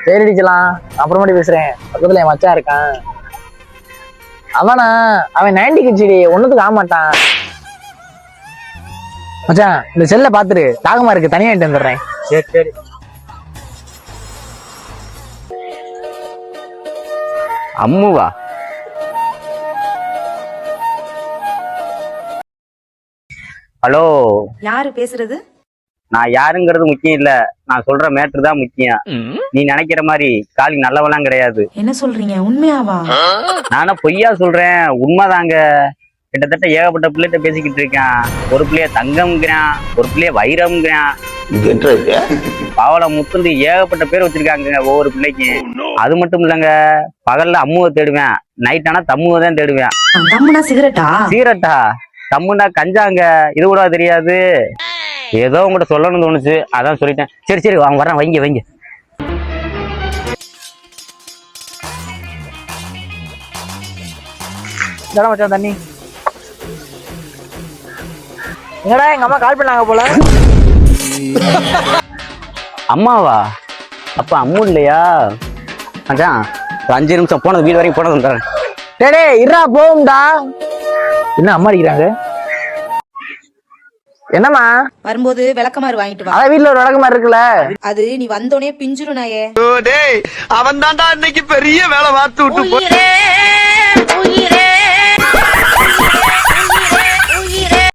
சரி அடிக்கலாம், அப்புறமாட்டி பேசுறேன். பக்கத்துல என் மச்சான் இருக்கான். அவன் 90 கிட்ஸ்டி, ஒண்ணுத்துக்கு ஆக மாட்டான். மச்சான் இந்த செல்ல பாத்துரு, தாகமா இருக்கு, தனியா இட்டு வந்துடுறேன். சரி சரி. அம்முவா? ஹலோ, யாரு பேசுறது? நான் யாருங்கிறது முக்கியம் இல்ல, நான் சொல்ற மேட்ரு தான் முக்கியம். நீ நினைக்கிற மாதிரி காலி நல்லவெல்லாம் கிடையாது. என்ன சொல்றீங்க, உண்மையாவா? நானே பொய்யா சொல்றேன், உண்மைதாங்க. கிட்டத்தட்ட ஏகப்பட்ட பிள்ளைகிட்ட பேசிக்கிட்டு இருக்கேன். ஒரு பிள்ளைய தங்கம்ங்கிறான், ஒரு பிள்ளைய வைரம்ங்கிறான், பாவல முத்துண்டு ஏகப்பட்ட பேர் வச்சிருக்காங்க ஒவ்வொரு பிள்ளைக்கு. அது மட்டும் இல்லைங்க, பகல்ல அம்முவை தேடுவேன், நைட் ஆனா தம்முவை தான் தேடுவேன். தம்முனா சிகரெட்டா? சிகரெட்டா? தம்முனா கஞ்சாங்க, இது கூட தெரியாது. ஏதோ உங்கள்கிட்ட சொல்லணும்னு தோணுச்சு, அதான் சொல்லிட்டேன். சரி சரி வாங்க, வரேன், வைங்க வைங்க. மச்சான் தண்ணி. எங்கடா எங்க அம்மா கால் பண்ணாங்க போல. அம்மாவா? அப்ப அம்மு இல்லையா? மச்சான் ஒரு 5 நிமிஷம் போனது, வீடு வரைக்கும் போனது வந்துடுறேன். டேடே இருடா, போகும்டா. என்ன அம்மா அடிக்கிறாங்க? என்னம்மா? வரும்போது விளக்கமாறு வாங்கிட்டு வா. அதான் வீட்டுல ஒரு விளக்கமாறு இருக்குல்ல. அது நீ வந்தோடனே பிஞ்சிரும் நாயே. அவன் தான்டா இன்னைக்கு பெரிய வேலை பார்த்து விட்டு